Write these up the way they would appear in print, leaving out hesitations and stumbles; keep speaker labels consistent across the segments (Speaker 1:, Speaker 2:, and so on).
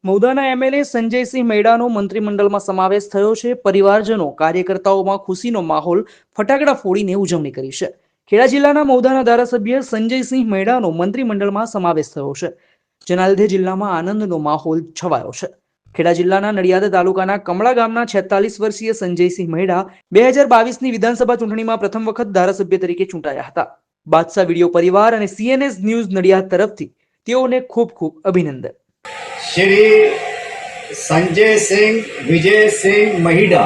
Speaker 1: મૌદાના MLA Sanjaysinh મૈડાનો મંત્રીમંડળમાં સમાવેશ થયો છે. પરિવારજનો કાર્યકર્તાઓમાં ખુશીનો માહોલ ફટાકડા ફોડીને ઉજવણી કરી છે. ખેડા જિલ્લાના મૌદાના ધારાસભ્ય સંજયસિંહ મૈડાનો મંત્રીમંડળમાં સમાવેશ થયો છે, જેના લીધે જિલ્લામાં આનંદનો માહોલ છવાયો છે. ખેડા જિલ્લાના નડિયાદ તાલુકાના કમળા ગામના 46 વર્ષીય સંજયસિંહ મૈડા 2022ની વિધાનસભા ચૂંટણીમાં પ્રથમ વખત ધારાસભ્ય તરીકે ચૂંટાયા હતા. બાદશાહ વિડીયો પરિવાર અને સીએનએસ ન્યૂઝ નડિયાદ તરફથી તેઓને ખૂબ ખૂબ અભિનંદન.
Speaker 2: श्री संजय सिंह विजय सिंह महिडा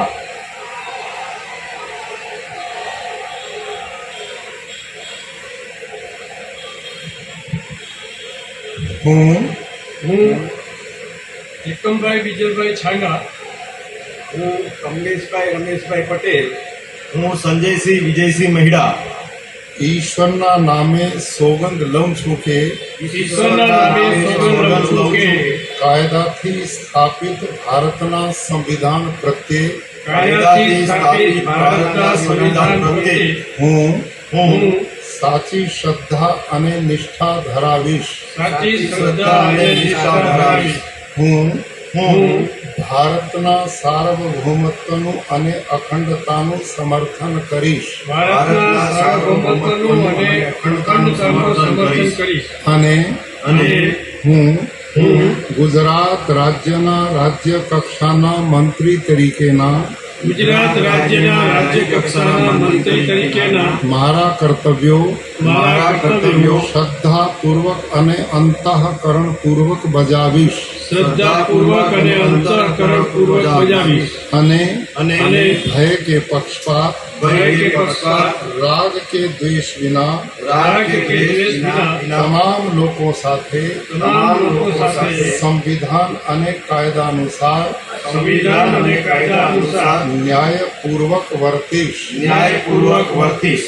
Speaker 3: હું એકમભાઈ વિજયભાઈ છાંગા,
Speaker 2: હું કમલેશભાઈ રમેશભાઈ પટેલ, હું સંજયસિંહ વિજયસિંહ મહિડા
Speaker 4: ઈશ્વરના નામે સોગંદ લઉં છું કે
Speaker 3: ઈશ્વરના નામે સોગંદ લઉં છું કે
Speaker 4: કાયદાથી સ્થાપિત ભારતના સંવિધાન પ્રત્યે
Speaker 3: કાયદાથી સ્થાપિત ભારતના સંવિધાન પ્રત્યે
Speaker 4: હું સાચી શ્રદ્ધા અને નિષ્ઠા ધરાવીશ.
Speaker 3: સાચી શ્રદ્ધા અને નિષ્ઠા ધરાવીશ.
Speaker 4: હું ભારતના સાર્વભૌમત્વનું અને અખંડતાનું સમર્થન કરીશ
Speaker 3: ભારતના સાર્વભૌમત્વનું અને અખંડતાનું સમર્થન કરીશ.
Speaker 4: અને હું
Speaker 3: હું
Speaker 4: ગુજરાત રાજ્યના રાજ્ય કક્ષાના મંત્રી તરીકેના
Speaker 3: ગુજરાત રાજ્યના રાજ્ય કક્ષાના મંત્રી તરીકેના
Speaker 4: મારા કર્તવ્યો શ્રદ્ધાપૂર્વક અને અંતઃકરણપૂર્વક બજાવીશ
Speaker 3: શ્રદ્ધાપૂર્વક અને અંતઃકરણપૂર્વક બજાવીશ.
Speaker 4: અને
Speaker 3: ભય
Speaker 4: કે પક્ષપાત રાગ કે દ્વેષ વિના તમામ લોકો સાથે સંવિધાન અને કાયદાનુસાર ન્યાયપૂર્વક વર્તીશ.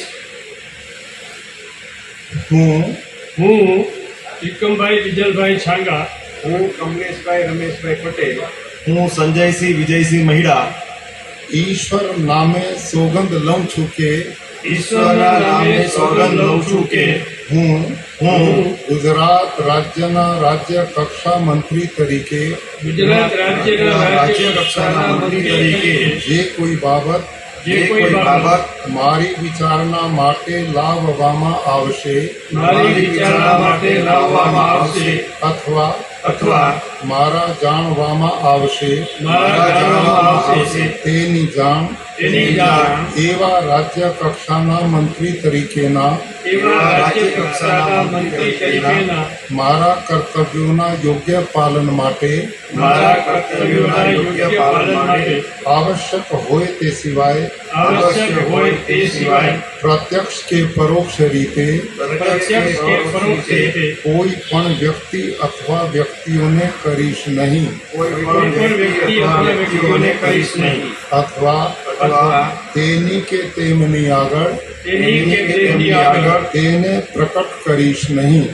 Speaker 4: હું
Speaker 3: એકમભાઈ વિજયભાઈ છાંગા,
Speaker 2: હું કમલેશભાઈ રમેશભાઈ પટેલ, હું સંજયસિંહ વિજયસિંહ મહિડા
Speaker 4: ઈશ્વર નામે સોગંદ લઉં છું કે
Speaker 3: ઈશ્વરના નામે સોગંદ લઉં છું કે
Speaker 4: હું ગુજરાત રાજ્યના રાજ્ય કક્ષા મંત્રી તરીકે
Speaker 3: ગુજરાત રાજ્યના રાજ્ય કક્ષાના મંત્રી તરીકે
Speaker 4: જે કોઈ બાબત મારી વિચારણા માટે લાવવામાં આવશે અથવા મારા જાણવામાં આવશે તેની જાણ એવા રાજ્ય કક્ષાના મંત્રી તરીકેના મારા કર્તવ્યોના યોગ્ય પાલન માટે આવશ્યક હોય તે સિવાય પ્રત્યક્ષ કે પરોક્ષ રીતે કોઈ પણ વ્યક્તિ અથવા વ્યક્તિઓને કરીશ નહીં અથવા તેની કે તેમની આગળ તેને પ્રકટ કરીશ નહીં.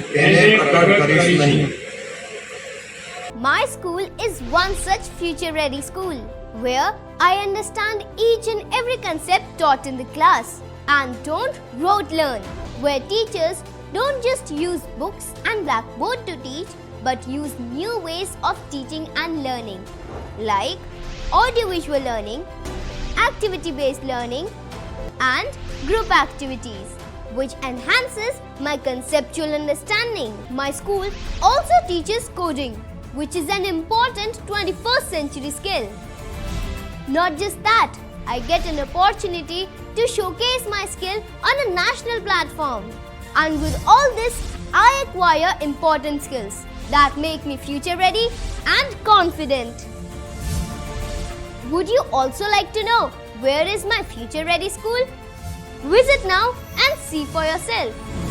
Speaker 5: My school is one such future-ready school where I understand each and every concept taught in the class and don't rote learn, where teachers don't just use books and blackboard to teach but use new ways of teaching and learning like audiovisual learning, activity-based learning and group activities, which enhances my conceptual understanding. My school also teaches coding, which is an important 21st century skill. Not just that, I get an opportunity to showcase my skill on a national platform. And with all this, I acquire important skills that make me future ready and confident. Would you also like to know where is my future ready school? Visit now and see for yourself.